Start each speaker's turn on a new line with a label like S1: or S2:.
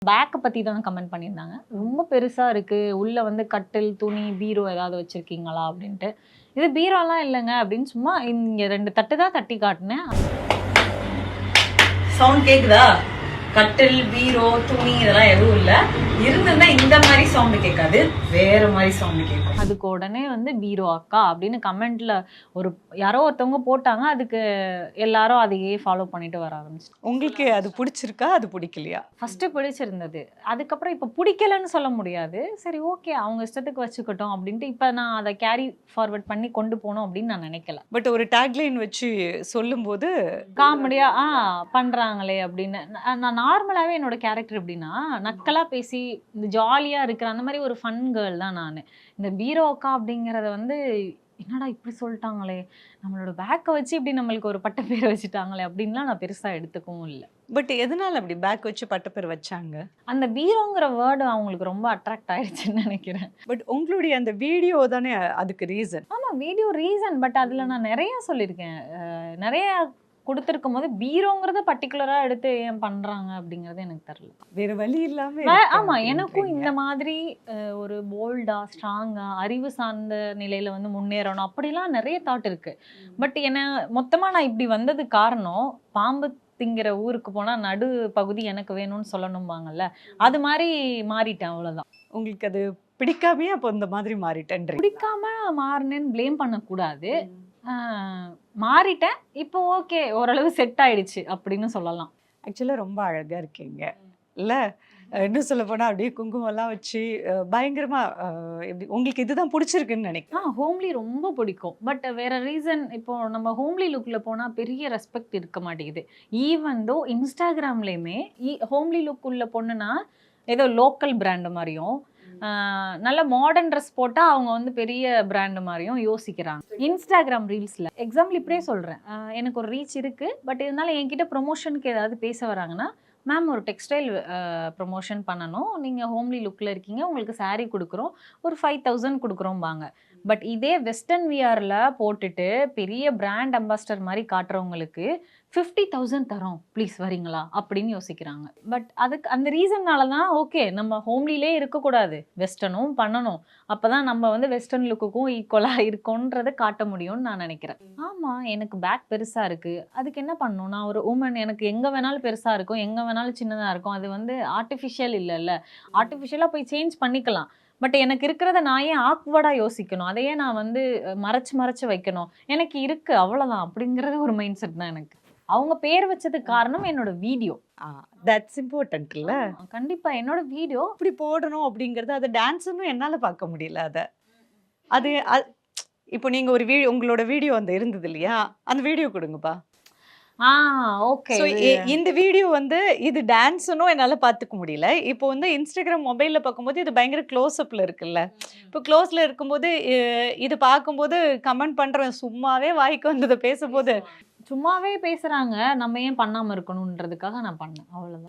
S1: பேக்க பத்தி தான் கமெண்ட் பண்ணியிருந்தாங்க. ரொம்ப பெருசா இருக்கு. உள்ள வந்து கட்டில், துணி, பீரோ ஏதாவது வச்சிருக்கீங்களா அப்படின்ட்டு. இது பீரோலாம் இல்லங்க அப்படின்னு சும்மா இங்க 2 தட்டு தான் தட்டி காட்டுனேன்.
S2: சவுண்ட் கேக்குதா? கட்டில், பீரோ, துணி இதெல்லாம் எதுவும் இல்ல. இருந்திருந்தா இந்த மாதிரி சவுண்ட் கேட்காது, வேற மாதிரி சவுண்ட் கேட்கும்.
S1: அதுக்கு உடனே வந்து பீரோ அக்கா அப்படின்னு கமெண்ட்ல யாரோ ஒருத்தவங்க போட்டாங்க. அதுக்கு எல்லாரும் அதையே ஃபாலோ பண்ணிட்டு வர ஆரம்பிச்சு.
S3: உங்களுக்கு அது பிடிச்சிருக்கா, அது பிடிக்கலையா?
S1: ஃபர்ஸ்ட் பிடிச்சிருந்தது. அதுக்கப்புறம் இப்ப பிடிக்கலன்னு சொல்ல முடியாது. சரி ஓகே அவங்க இஷ்டத்துக்கு வச்சுக்கட்டும் அப்படின்ட்டு இப்ப நான் அதை கேரி ஃபார்வர்ட் பண்ணி கொண்டு போகணும் அப்படின்னு நான் நினைக்கல.
S3: பட் ஒரு டேக்லைன் வச்சு சொல்லும்போது
S1: காமெடியா பண்றாங்களே அப்படின்னு. நான் நார்மலாவே என்னோட கேரக்டர் எப்படின்னா நக்கலா பேசி இந்த ஜாலியா இருக்கிற அந்த மாதிரி ஒரு ஃபன் கேர்ள் தான் நான். இந்த பீரோ அக்கா அப்படிங்கறத வந்து என்னடா இப்படி சொல்லிட்டாங்களே, நம்மளோட பேக்கை வச்சு இப்படி நம்மளுக்கு ஒரு பட்ட பேரை வச்சுட்டாங்களே அப்படின்லாம் நான் பெருசா எடுத்துக்கவும் இல்லை.
S3: பட் எதனால அப்படி பேக் வச்சு பட்டப்பேர் வச்சாங்க?
S1: அந்த பீரோங்கிற வேர்டு அவங்களுக்கு ரொம்ப அட்ராக்ட் ஆயிடுச்சுன்னு நினைக்கிறேன்.
S3: பட் உங்களுடைய அந்த வீடியோ தானே அதுக்கு ரீசன்.
S1: ஆமா வீடியோ ரீசன். பட் அதுல நான் நிறைய சொல்லியிருக்கேன். நிறைய கொடுத்துருக்கும் போது பீரோங்கிறத பர்டிகுலரா எடுத்து ஏன் பண்றாங்க அப்படிங்கறது எனக்கு தெரியல.
S3: வேற வழி இல்லாம
S1: ஆமா எனக்கும் இந்த மாதிரி ஒரு போல்டா ஸ்ட்ராங்கா அறிவு சார்ந்த நிலையில வந்து முன்னேறணும் அப்படிலாம் நிறைய தாட் இருக்கு. பட் என்ன மொத்தமா நான் இப்படி வந்தது காரணம் பாம்பு திங்கிற ஊருக்கு போனா நடு பகுதி எனக்கு வேணும்னு சொல்லணும்பாங்கல்ல, அது மாதிரி மாறிட்டேன் அவ்வளவுதான்.
S3: உங்களுக்கு அது பிடிக்காமையே அப்போ இந்த மாதிரி மாறிட்டேன்றீங்க?
S1: பிடிக்காம மாறினேன்னு ப்ளேம் பண்ணக்கூடாது. மாறிட்டேன். இப்போ ஓகே ஓரளவு செட் ஆயிடுச்சு அப்படின்னு சொல்லலாம்.
S3: ஆக்சுவலா ரொம்ப அழகா இருக்கீங்க இல்ல? இன்னும் சொல்ல போனா அப்படியே குங்குமம்லாம் வச்சு பயங்கரமா எப்படி உங்களுக்கு இதுதான் பிடிச்சிருக்குன்னு நினைக்கிறேன்.
S1: ஹோம்லி ரொம்ப பிடிக்கும். பட் வேற ரீசன் இப்போ நம்ம ஹோம்லி லுக்ல போனா பெரிய ரெஸ்பெக்ட் இருக்க மாட்டேங்குது. ஈவன் தோ இன்ஸ்டாகிராம்லயுமே ஹோம்லி லுக் உள்ள பொண்ணுனா ஏதோ லோக்கல் பிராண்டு மாதிரியும் நல்ல மாடர்ன் ட்ரெஸ் போட்டா அவங்க வந்து பெரிய பிராண்டு மாதிரியும் யோசிக்கிறாங்க இன்ஸ்டாகிராம் ரீல்ஸ்ல. எக்ஸாம்பிள் இப்படியே சொல்றேன். எனக்கு ஒரு ரீச் இருக்கு. பட் இருந்தாலும் என்கிட்ட ப்ரொமோஷனுக்கு ஏதாவது பேச வராங்கன்னா, மேம் ஒரு டெக்ஸ்டைல் ப்ரொமோஷன் பண்ணணும், நீங்கள் ஹோம்லி லுக்கில் இருக்கீங்க, உங்களுக்கு சாரீ கொடுக்குறோம், ஒரு 5000 கொடுக்குறோம்பாங்க. பட் இதே வெஸ்டர்ன் வியரில் போட்டுட்டு பெரிய பிராண்ட் அம்பாஸ்டர் மாதிரி காட்டுறவங்களுக்கு 50,000 தரோம் ப்ளீஸ் வரீங்களா அப்படின்னு யோசிக்கிறாங்க. பட் அதுக்கு அந்த ரீசன்னால தான் ஓகே நம்ம ஹோம்லிலே இருக்கக்கூடாது, வெஸ்டர்னும் பண்ணணும், அப்போ தான் நம்ம வந்து வெஸ்டர்ன் லுக்குக்கும் ஈக்குவலாக இருக்கோன்றதை காட்ட முடியும்னு நான் நினைக்கிறேன். ஆமாம் எனக்கு பேக் பெருசாக இருக்குது, அதுக்கு என்ன பண்ணணும், நான் ஒரு உமன், எனக்கு எங்கே வேணாலும் பெருசாக இருக்கும், எங்கே வேணாலும் சின்னதாக இருக்கும், அது வந்து ஆர்டிஃபிஷியல் இல்லைல்ல, ஆர்டிஃபிஷியலாக போய் சேஞ்ச் பண்ணிக்கலாம். பட் எனக்கு இருக்கிறத நான் ஏன் ஆக்வர்டாக யோசிக்கணும், அதையே நான் வந்து மறைச்சு வைக்கணும், எனக்கு இருக்குது அவ்வளோதான் அப்படிங்கிறது ஒரு மைண்ட் செட் தான் எனக்கு. அவங்க பேர் வச்சதுக்கு காரணம் என்னோட வீடியோ.
S3: தட்ஸ் இம்பார்ட்டன்ட் இல்ல?
S1: கண்டிப்பா என்னோட வீடியோ
S3: இப்படி போடணும் அப்படிங்கறது. அது டான்ஸ்னு என்னால பார்க்க முடியல. அது இப்போ நீங்க ஒரு வீடியோ உங்களோட வீடியோ அந்த இருந்தது இல்லையா, அந்த வீடியோ கொடுங்கப்பா.
S1: ஓகே.
S3: இந்த வீடியோ வந்து இது டான்ஸ்னும் என்னால பார்த்துக்க முடியல. இப்போ வந்து இன்ஸ்டாகிராம் மொபைல்ல பார்க்கும்போது இது பயங்கர க்ளோஸ் அப்ல இருக்குல்ல. இப்போ க்ளோஸ்ல இருக்கும்போது இது பார்க்கும்போது கமெண்ட் பண்றேன், சும்மாவே வாய்க்கு வந்ததை பேசும்போது
S1: சும்மாவே பேசுறாங்க, நம்ம ஏன் பண்ணாம இருக்கணும்ன்றதுக்காக நான் பண்ணேன், அவ்வளவுதான்.